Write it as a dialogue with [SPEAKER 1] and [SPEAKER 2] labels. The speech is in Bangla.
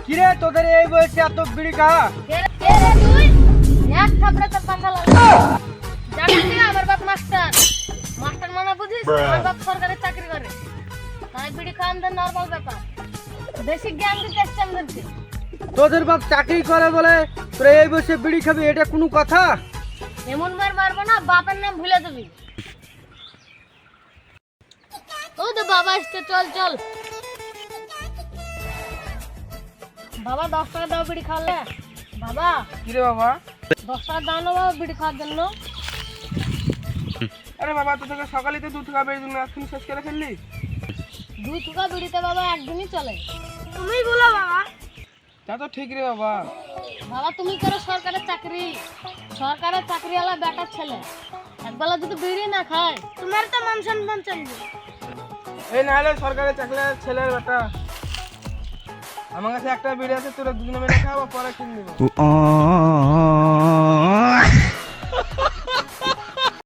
[SPEAKER 1] কিরে তোদের এই বয়সে এত বিড়ি খাওয়া?
[SPEAKER 2] কে রে তুই? এক থাপড়ে তোর পাখা লাগবে। জানিস না আমার বাপ মাস্টার। মাস্টার মানে বুঝিস? আমার বাপ সরকারি চাকরি করে। তাই বিড়ি খাওয়া আমাদের নরমাল ব্যাপার। বেশি জ্ঞান দিতে এসছে আমাদেরকে।
[SPEAKER 1] তোদের বাপ চাকরি করে বলে তোরা এই বয়সে বিড়ি খাবি, এটা কোনো কথা?
[SPEAKER 2] এমন মার মারবো না বাপের নাম ভুলে দিবি। ও তো বাবা আসছে, চল চল। বাবা 10 টাকা দাও বিড়ি খাওয়ালে। বাবা
[SPEAKER 1] কিরে বাবা?
[SPEAKER 2] 10 টাকা দাও না বাবা বিড়ি খাওয়ার জন্য।
[SPEAKER 1] আরে বাবা তোকে সকালে তো 2 টাকা বেড়ে দিন, এখন শেষ করে ফেললি।
[SPEAKER 2] 2 টাকা বিড়িতে বাবা একদিনই চলে। তুমি বলো বাবা।
[SPEAKER 1] তা তো ঠিক রে বাবা।
[SPEAKER 2] বাবা তুমি করো সরকারের চাকরি, সরকারের চাকরিওয়ালা বেটার ছেলে, একবেলা যদি বিড়ি না খায় তোমার তো মান সম্মান চলবে।
[SPEAKER 1] এই না হলে সরকারের চাকরির ছেলের বেটা, আমার কাছে একটা বিড়ি আছে, তোরা দুজনে মিলে খাওয়া, পরে কিনে নিবো।